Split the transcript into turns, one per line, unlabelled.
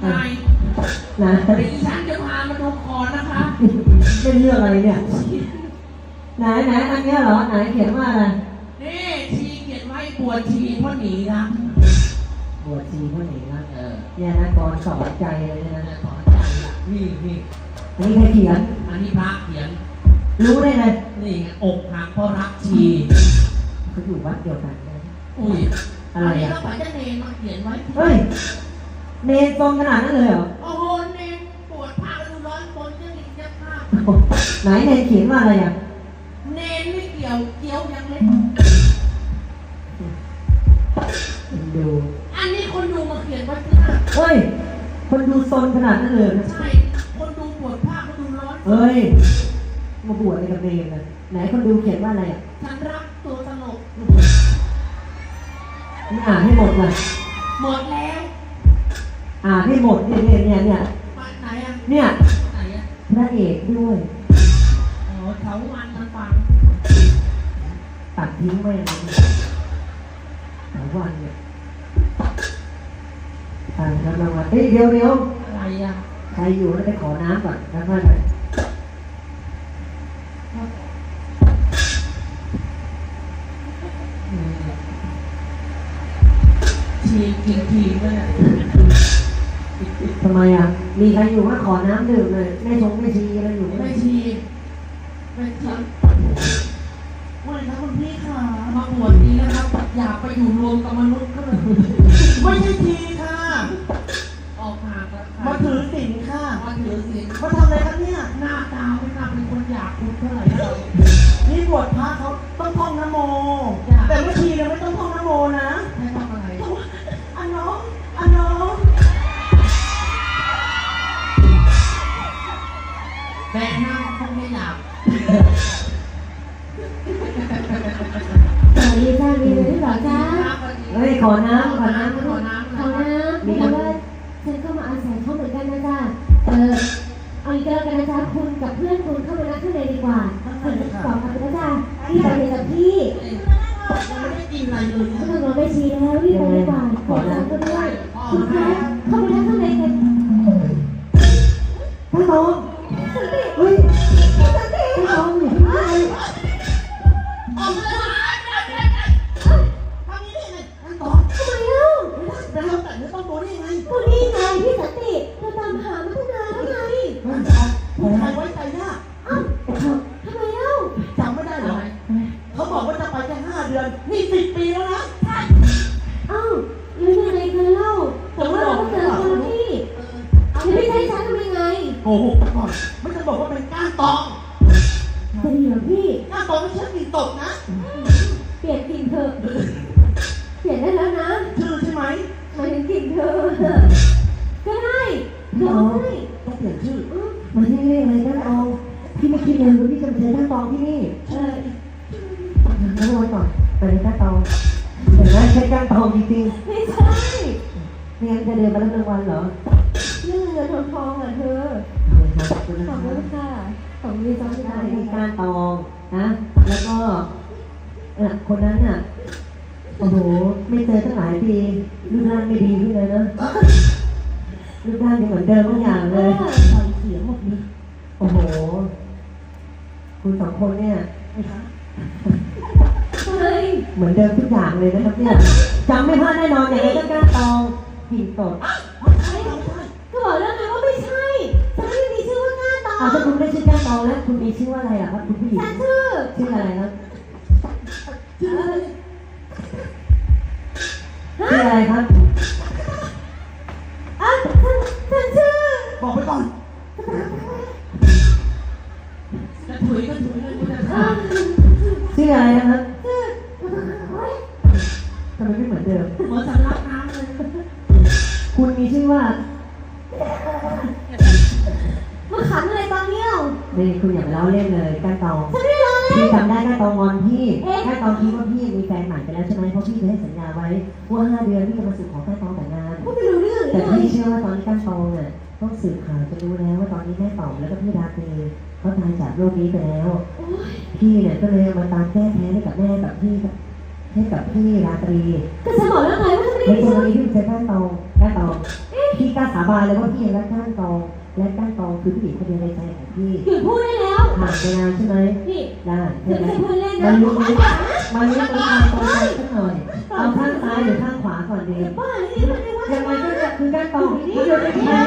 ไง
นะ
ดิฉันจะพามาดูคอนะคะ
เป็นเรื่องอะไรเนี่ยไหนอันเนี้ยเหรอไหนเขียนว่าอะไร
นี่ชีเขียนไว้บวชชีเพราะหนีรัก
บวชชีเพราะหนีรักเนี่ยนะกรสอนใจเลยนะ
สอนใจนี่
อันนี้ใครเขียน
อันนี้พระเขียน
รู้ได้ไง
นี่อกหักเพราะรักชี
เขาอยู่วัดเดียวกัน
อุ้ย
อะไรอ่ะ
ก็ฝ่ายจะเนรมาเขียนไว้
เฮ้ยเนรตรงขนาดนั้นเลยเหรอ
โอ้โหเนรปวดผ้าดูร้อนคนจะหนีจะผ้า
ไหนเนรเขียนว่าอะไรอ่ะ
เนรไม่เกี่ยวยังเล็ก
ดู
อันนี้คนดูมาเขียนไว้ที่หน้า
เฮ้ยคนดูซนขนาดนั้นเลย
ใช่คนดูปวดผ้าคนดูร้อน
เฮ้ยมาบวชในกับเนรนะไหนคนดูเขียนว่าอะไรอ่ะ
ฉันรักตัวตลก
นี่อ่านให้หมดเลย
หมดแล้ว
อ่านให้หมดเนี่ย
ไหนอ่ะ
เนี่ย
ไหนอ่ะ
พระเอกด้วย
อ๋อเถาวันมันฟัง
ตัดทิ้งไว้เลยเถาวันเนี่ยแล้วรางวัลเดี๋ยว
อะไรอ่ะ
ใครอยู่แล้วไปขอน้ำก่อนแล้วค่อยไป
ทีเลย
ทำไมอ่ะมีใครอยู่ว่าขอน้ำดื่มเลยไม่ชีอะไรอยู่
ไม่ชีไม่นะคุณพี่ค่ะมาบวชนี้นะครับอยากไปอยู่รวมกับมนุษย์ก็เลย
ไม่ใช่ทีค่ะ
ออกห่างแล้ว
มาถือศีลค่ะ
มาถือศีล
มาทำอะไรครับเนี่ย
หน้าตาไม่น่าเป็นคนอยากคุณเท่าไหร่
นี่บวชพระเขาต้องท่องนโมแต่ไม่ทีเนี่ยไม่ต้องท่องนโมนะ
ให้ทำอะไร
อันน้อง
แม่นั่งคงไม่หลับ
สวัสดีจ้ามีอะไรหรือเปล่าจ้า
เฮ้ยขอน้ำ
มีคำว่าฉันก็มาอาศัยเขาเหมือนกันนะจ้าเอาอีกแล้วกันนะจ้าคุณกับเพื่อนคุณเข้ามานั่งข้างในดีกว่าคุณตอบมาเป็นนะจ้าพี่ไปเลยกับพี่
ไม่ได้กินอะไรเลย
ไม่ต้องรอไปชี้แล้วพี่ไปดีกว่าขอน้ำก็ด้วยคุณคะเข้าไปนั่งข้างในกัน
พระโตเฮ้ยพระโตอยู่ที่ไหน
ออกเลยทำนี้เลยต่อ
ทำไมเล่า
แล้วแต่ไม่ต้องโดนได้ไง
ก็นี่ไงพี่สันติเราตามหามาตั้งนานแล้วไง
ผู้ชายไว้ใจยาก
ทำไมเล่า
จำไม่ได้เหรอเขาบอกว่าจะไปแค่5 เดือนนี่10 ปีแล้วนะ
แล้วยังไงกันเล่าแต่ว่าเราเจอคนละที่ไม่ใช่ฉันทำยังไง
โอ้โหก่อนไม่จะบอกว่าเป็นก้านตอง
จะดีเหรอพี่
ก้านตองไม่ใช่ปีตกนะ
เปลี่ยนกลิ่นเถอะเปลี่ยนได้แล้วนะ
ชื่อใช่ไหม
หมายถึงกลิ่นเธอก็ได้
ต้องเปลี่ยนชื่อมาที่นี่อะไรกันเอาพี่ไม่คิดเลยว่าพี่จะมาเจอท่านตองที่นี่แล้วรอก่อนไปเลยท่านตองเห็นไหมใช้ก้านตองจริง
ๆไม่ใช่
ไม่งั้นจะเดินมาแล้วรางวัลเหรอ
เรื่องเงินทองอ่ะเธอขอบคุณค่ะของมีจอมได้
มีก้านตองนะแล้วก็คนนั้นน่ะโอ้โหไม่เจอตั้งหลายปีรูปร่างไม่ดีขึ้นเลยนะรูปร่างยังเหมือนเดิมทุกอย่างเลย
ใส่เสียงหมดเลย
โอ้โหคุณ2 คนเนี่ยเหมือนเดิมทุกอย่างเลยนะครับเนี่ยจำไม่พลาดแน่นอนอย่างไรก็ก้านตองหินสด
ก็บอกแล้วไงว่าไม่ใช่ฉันไม่มีชื่อว่าก้านตอง
ถ้าคุณไม่ชื่อก้านตองแล้วคุณมีชื่อว่าอะไรล่ะครับคุณผู้หญิง
ฉัน
ชื่ออะไรครับชื่ออะไรครับ
ฉันชื่อ
บอกไปก่อน
จะถุยเลย
ชื่ออะไรนะครับทำไมไม่เหมือนเดิม
เหมือนสำลักน้ำเลย
คุณมีชื่อว่า
มาขันอะไรตอนเนี้ย
นี่คุณอย่าเล่าเล่นเลยก้านตอง
ฉันไม่เล่าเล่น
พี่จำได้ก้านตองงอนพี่ก้านตองคิดว่าพี่มีแฟนใหม่ไปแล้วใช่ไหมเพราะพี่เคยให้สัญญาไว้ว่า5 เดือนพี่จะมาสู่ขอก้านตองแต่งงานแต่พี่เชื่อว่าตอนนี้ก้านตองอ่ะต้องสืบข่าวจะรู้แล้วว่าตอนนี้แม่ต๋อมแล้วก็พี่ราตรีเขาตายจากโรคนี้ไปแล้วพี่เนี่ยก็เลยมาตามแก้แค้นให้กับแม่กับพี่ให้กับพี่ราตรี
ก็ฉันบอกแล้วไงว่าฉันไม่
ได้
ชื่อ
พี่ใช้ก้านตอง
เอ๊ะ
พี่กล้าสาบานเลยว่าพี่ยังรักก้านตองและก้านตองคือผู้หญิงคนเดียวในใจของพี่
หยุดพูดได้แล้ว
ผ่านไปนานใช่ไหม
นี่
ได้
เธอ
ใช่ไหม
ไม่ใช่พูดเล่น
มั
นะ
นรู้มันรู้ตรงกลางตรงใจสักหน่อยเอาข้างซ้ายหรือข้างขวาก่อนดี
บ้าเลยนี่มันไม่ว่า
ยังไงก็จะคือก้านตองเดี๋ยวจะแค่